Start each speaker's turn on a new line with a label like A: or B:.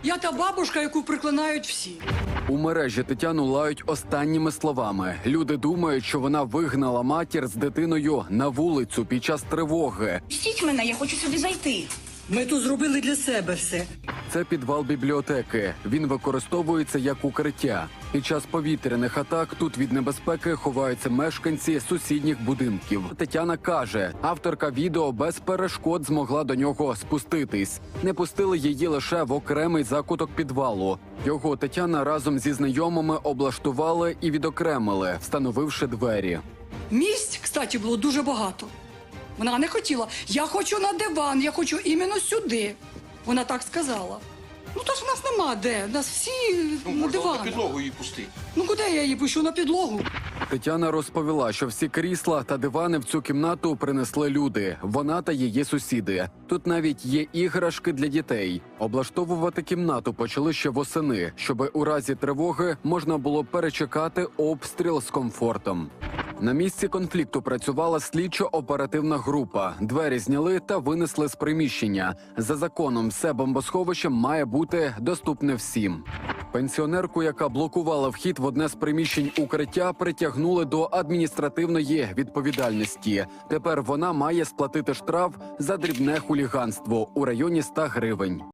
A: Я та бабушка, яку приклинають всі.
B: У мережі Тетяну лають останніми словами. Люди думають, що вона вигнала матір з дитиною на вулицю під час тривоги.
C: Пустіть мене, я хочу сюди зайти.
A: Ми тут зробили для себе все.
B: Це підвал бібліотеки. Він використовується як укриття. Під час повітряних атак тут від небезпеки ховаються мешканці сусідніх будинків. Тетяна каже, авторка відео без перешкод змогла до нього спуститись. Не пустили її лише в окремий закуток підвалу. Його Тетяна разом зі знайомими облаштували і відокремили, встановивши двері.
A: Місць, кстати, було дуже багато. Вона не хотіла. Я хочу на диван, я хочу іменно сюди. Вона так сказала. Ну, то ж в нас нема де. Нас всі на диван.
D: На підлогу її пустити.
A: Ну, куди я її пущу? На підлогу?
B: Тетяна розповіла, що всі крісла та дивани в цю кімнату принесли люди. Вона та її сусіди. Тут навіть є іграшки для дітей. Облаштовувати кімнату почали ще восени, щоб у разі тривоги можна було перечекати обстріл з комфортом. На місці конфлікту працювала слідчо-оперативна група. Двері зняли та винесли з приміщення. За законом, все бомбосховище має бути доступне всім. Пенсіонерку, яка блокувала вхід в одне з приміщень укриття, притягнули до адміністративної відповідальності. Тепер вона має сплатити штраф за дрібне хуліганство у районі 100 гривень.